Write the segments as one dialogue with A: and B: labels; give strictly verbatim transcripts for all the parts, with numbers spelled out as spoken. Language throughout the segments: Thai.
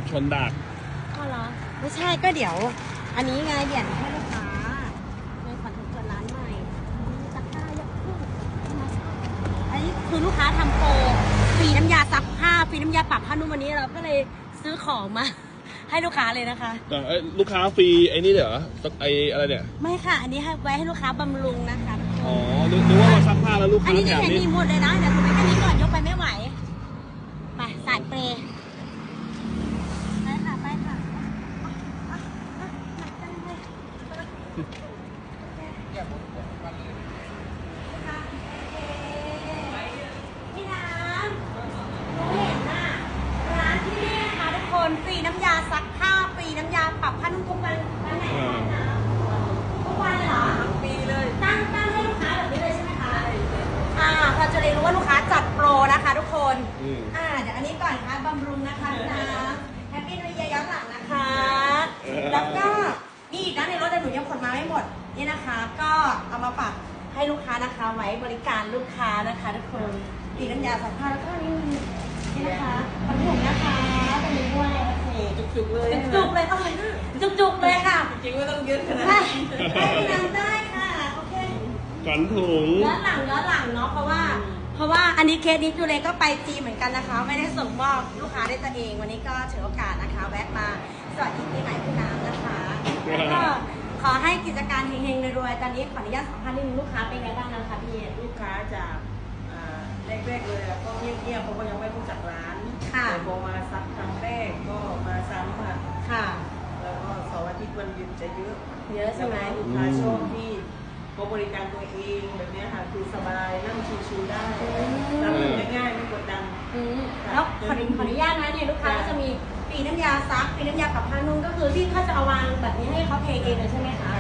A: ชนดาก
B: ก็เหรอไม่ใช่ก็เดี๋ยวอันนี้ไงเดี๋ยวให้ลูกค้าในขวัญถุงเปิดร้านใหม่ซักผ้าเยอะขึ้นอันนี้คือลูกค้าทำโปรฟรีน้ำยาซักผ้าฟรีน้ำยาปรับผ้านุ่มวันนี้เราก็เลยซื้อของมาให้ลูกค้าเลยนะคะ
A: แต่ลูกค้าฟรีไอ้นี่เหรอไอ้อะไรเนี่ย
B: ไม่ค่ะอันนี้ให้ไว้ให้ลูกค้าบำรุงนะคะ
A: อ๋อนึกว่าเราซักผ้าแล้วลูกค้า
B: อันนี้จะเห็นมีหมดเลยนะเดี๋ยวถูกไปแค่นี้ก่อนยกไปไม่ไหวไปสายเปรย์ไปค่ะไปค่ะหนักจังเลยพี่น้ำรู้เห็นน่ะร้านที่นี่นะคะทุกคนฟรีน้ำยาซักผ้าฟรีน้ำยาปรับผ้านุ่มทุกวันวันไหนคะทุกวันเลยเหรอฟรีเลยตั้งตั้งให้ลูกค้าแบบนี้เลยใช่ไหมคะอ่าเราจะเรียนรู้ว่าลูกค้าจัดโปรนะคะทุกคนอ่าเดี๋ยวอันนี้ก่อนค่ะบำรุงนะคะพี่น้ำแฮปปี้นิวเยียร์ย้อนหลังนะคะแล้วก็นี่อีกนะในรถแต่หนูยังขนมาไม่หมดนี่นะคะก็เอามาปรับให้ลูกค้านะคะไว้บริการลูกค้านะคะทุกคนตีน้ำยาซักผ้าแล้วก็นี่นี่นะคะขนถุงนะคะตรงนี้ด้วยโอเคจุกๆเลยจุกๆเลยอร่อยมากจุกๆเลยค่ะ
C: จริงๆไม่ต้องยืดขนาด
B: นี้ได้นำได้ค่ะโอเค
A: ขนถุง
B: ย้อนหลังย้อนหลังเนาะเพราะว่าเพราะว่าอันนี้เคสนี้จูเลก็ไปจีนเหมือนกันนะคะไม่ได้ส่งมอบลูกค้าได้ตัวเองวันนี้ก็ถือโอกาสนะคะแวะมาสวัสดีปีใหม่พี่น้ำนะคะแล้วก็ขอให้กิจการเฮงๆรวยๆตอนนี้ขออนุญาตสัมภาษณ์นิดนึงลูกค้าเป็นไงบ้างนะคะพี่
C: ลูกค้าจากแรกๆเลยก็เงียบๆเพราะว่ายังไม่รู้จักร้านแต่พอมาซักครั้งแรกก็มาซ้ำค่ะ
B: ค่ะ
C: แล้วก็เสาร์อาทิตย์วันหยุดจะเยอะ
B: เยอะใช่ไหม
C: ลูกค้าชอบที่เขาบริการตัวเองแบบนี้ค่ะคือสบายนั่งชิวๆได้รับเงินง่ายๆไม่กดดัน
B: แล้วขออนุญาตนะเนี่ยลูกค้าก็จะมีปีน้ำยาซักปีน้ำยาปรับผ้านุ่มก็คือที่เขาจะเอาวางแบบนี้ให้เขาเทเองเลยใช่ไหมคะ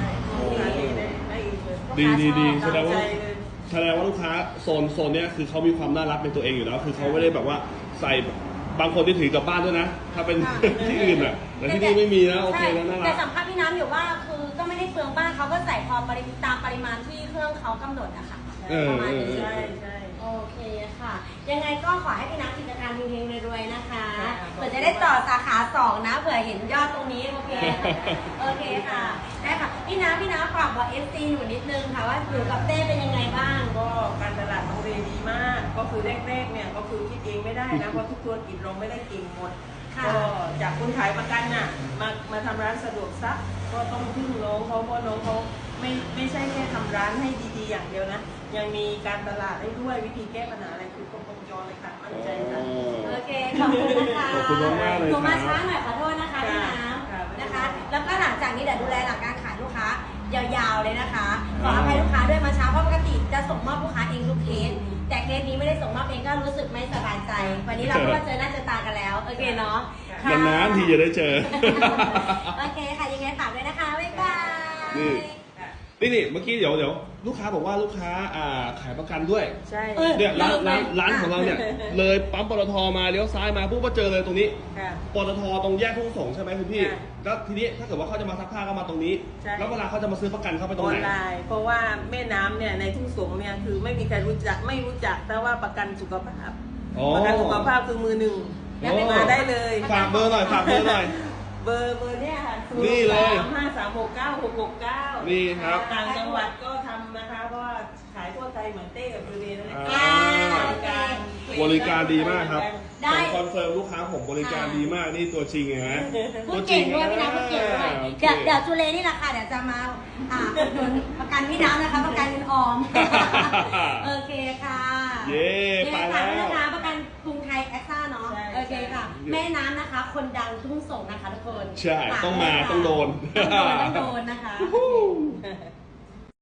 A: ดีดีดีแสดงว่าแสดงว่าลูกค้าโซนโซนเนี้ยคือเขามีความน่ารักในตัวเองอยู่แล้วคือเขาไม่ได้แบบว่าใส่บางคนที่ถือกลับบ้านด้วยนะถ้าเป็นที่อื่นอ่ะแต่ที่นี่ไม่มีนะโอเคแล้วน่ารัก
B: แต่สัมภาษณ์พี่น้ำอยู่ว่าคือก็ไม่ได้เปลืองบ้านเขาก็ใส่พอปริตามปริมาณที่เครื่องเขากำหนดนะคะประมาณนี้
C: ใช่ใช่
B: โอเคค่ะยังไงก็ขอให้พี่น้ำกิจการเฮงๆรวยๆนะคะเผื่อจะได้ต่อสาขาสองนะเผื่อเห็นยอดตรงนี้โอเคโอเคค่ะได้ค่ะพี่น้ำพี่น้ำฝากบอกเอฟซีหนูนิดนึงค่ะว่าหนูกับเต้เป็นยังไงบ้าง
C: ก็การตลาดของเรดีมากก็คือแรกๆเนี่ยก็คือคิดเองไม่ได้นะเพราะทุกธุรกิจเราไม่ได้เก่งหมดก็จากคนขายประกันน่ะมามาทำร้านสะดวกซักก็ต้องพึ่งน้องเขาเพราะน้องเขาไม่ไม่ใช่แค่ทำร้านให้ดีๆอย่างเดียวนะยังมีการตลาดให้ด้วยวิธีแก้ปัญหาอะไรคือครบวงจรเลยค่ะมั่นใจค่ะ
B: โอเคขอบคุณนะคะ
A: ขอบคุณมากเลย
B: หนูมาช้าหน่อยขอโทษนะคะพี่น้ำนะคะแล้วก็หลังจากนี้เดี๋ยวดูแลหลักการขายลูกค้ายาวๆเลยนะคะขออภัยลูกค้าด้วยมาช้าเพราะปกติจะส่งมอบลูกค้าเองทุกเคสแต่เคสนี้ไม่ได้ส่งมอบเองก็รู้สึกไม่สบายใจวันนี้เราก็มาเจอหน้าเจอตากันแล้วโอเคเนาะ
A: นานๆทีจะได้เจอ
B: โอเคค่ะยังไงฝากด้วยนะคะบ๊ายบาย
A: นี่นี่เมื่อกี้เดี๋ยวเดี๋ยวลูกค้าบอกว่าลูกค้าอ่าขายประกันด้วย
C: ใช่
A: เนี่ยร้านร้านร้านของเราเนี่ยเลยปั๊มปตทมาเลี้ยวซ้ายมาปุ๊บก็เจอเลยตรงนี้ปตทตรงแยกทุ่งสงใช่ไหมคุณพี่แล้วทีนี้ถ้าเกิดว่าเขาจะมาซักผ้าก็มาตรงนี้แล้วเวลาเขาจะมาซื้อประกันเขาไปตรงไหน
C: ออนไลน์เพราะว่าแม่น้ำเนี่ยในทุ่งสงเนี่ยคือไม่มีใครรู้จักไม่รู้จักแต่ว่าประกันสุขภาพประกันสุขภาพคือมือหนึ่งแล้วมาได้เลย
A: ฝากเบอร์หน่อยฝากเบอร์หน่อย
C: เบอร์เบอร์เนี่ยค่ะ
A: นี่เลย
C: ห้าสามหกเก้าหกหกเก้า
A: นี่ครับ
C: ต่างจังหวัดก็ทำนะคะเพราะว่าขายทั่วไทยเหมือนเต้กับดูเดย์นั่นแหละ
A: บริการดีมากครับผมคอนเฟิร์มลูกค้าผมบริการดีมากนี่ตัวจริงไงฮะ
B: พูดเก่งด้วยพี่น้ำพูดเก่งด้วยเดี๋ยวเดี๋ยวจูเลนี่แหละค่ะเดี๋ยวจะมาอ่าอุดหนุนประกันพี่น้ำนะคะประกันเงินออมโอเคค่ะ
A: เย้
B: ไปแล้วนะคะประกันกรุงไทยแอคซ่าเนาะโอเคค่ะแม่น้ำนะคะคนดังทุ่งส่งนะคะทุกคน
A: ใช่ต้องมาต้องโดน
B: ต้องโดนต้องโดนนะคะ